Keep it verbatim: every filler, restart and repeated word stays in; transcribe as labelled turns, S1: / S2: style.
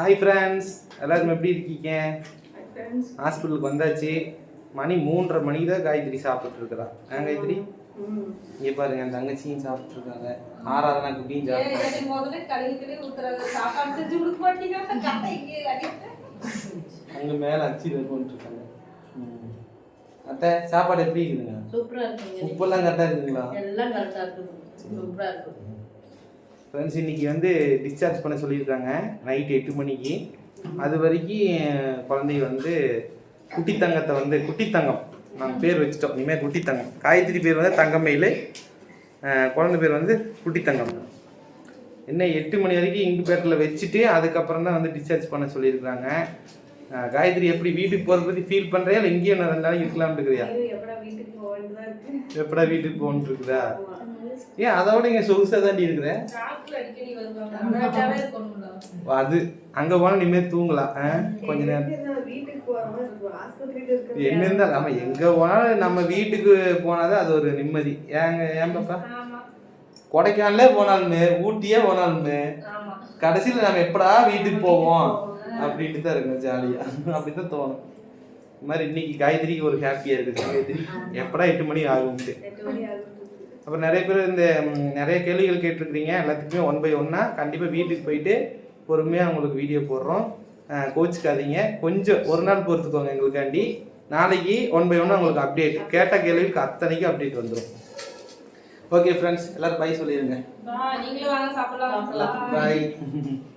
S1: Hi friends, எல்லாரும் எப்படி இருக்கீங்க? ஹாஸ்பிட்டலுக்கு வந்தாச்சு. மணி மூன்றரை மணிக்கு தான் காயத்ரி சாப்பிட்டு இருக்கிறா. ஏன் காயத்ரி? இங்கே பாருங்க, என் தங்கச்சியும் சாப்பிட்டு இருக்காங்க. ஆறாவது நான் குட்டியும் அங்கே மேலே அச்சியில் கொண்டு இருக்காங்க. அத்தை, சாப்பாடு எப்படி இருக்குதுங்க?
S2: சூப்பரா இருக்குங்க.
S1: உப்பெல்லாம் கரெக்டாக இருக்குதுங்களா?
S2: எல்லாம் கரெக்டாக இருக்குது. சூப்பரா இருக்குது.
S1: ஃப்ரெண்ட்ஸ், இன்னைக்கு வந்து டிஸ்சார்ஜ் பண்ண சொல்லியிருக்காங்க நைட்டு எட்டு மணிக்கு. அது வரைக்கும் குழந்தை வந்து குட்டி தங்கத்தை வந்து குட்டி தங்கம் நாங்கள் பேர் வச்சுட்டோம். இனிமேல் குட்டி தங்கம். காயத்ரி பேர் வந்து தங்கமயில், குழந்தை பேர் வந்து குட்டி தங்கம். என்ன எட்டு மணி வரைக்கும் இன்குபேட்டரில் வச்சுட்டு அதுக்கப்புறம் தான் வந்து டிஸ்சார்ஜ் பண்ண சொல்லியிருக்காங்க. காயத்ரி, எப்படி வீட்டுக்கு போகிறத பற்றி ஃபீல் பண்ணுறியா இல்லை இங்கேயும் நான் ரெண்டு நாளைக்கு இருக்கலாம்னு இருக்கிறியா? எப்படா வீட்டுக்கு போகணுன்னு இருக்குதா? ஏன் அதோட இங்கே சொகுசாக தாண்டி இருக்கிறேன். அது அங்கே போனால் இனிமேல் தூங்கலாம் கொஞ்ச நேரம். என்ன இருந்தாலும் நம்ம எங்கே போனாலும் நம்ம வீட்டுக்கு போனாதான் அது ஒரு நிம்மதி. ஏங்க ஏன் பாப்பா, கொடைக்கானலே போனாலுமே ஊட்டியே போனாலுமே கடைசியில் நம்ம எப்படா வீட்டுக்கு போவோம் அப்படின்ட்டு தான் இருக்கும். ஜாலியாக அப்படி தான் தோணும். இது மாதிரி இன்னைக்கு காயத்ரிக்கு ஒரு ஹாப்பியாக இருக்குது. காயத்ரி எப்படா எட்டு மணி ஆகும்ட்டு. அப்புறம் நிறைய பேர் இந்த நிறைய கேள்விகள் கேட்டிருக்கிறீங்க. எல்லாத்துக்குமே ஒன் பை ஒன்னா கண்டிப்பாக வீட்டுக்கு போயிட்டு பொறுமையாக உங்களுக்கு வீடியோ போடுறோம். கோச்சிக்காதீங்க, கொஞ்சம் ஒரு நாள் பொறுத்துக்கோங்க எங்களுக்காண்டி. நாளைக்கு ஒன் பை ஒன்னா உங்களுக்கு அப்டேட், கேட்ட கேள்விக்கு அத்தனைக்கும் அப்டேட் வந்துடும். ஓகே ஃப்ரெண்ட்ஸ், எல்லாரும் பை சொல்லிடுங்க.
S2: நீங்களும் வாங்க சாப்பிடலாம்.
S1: பாய்.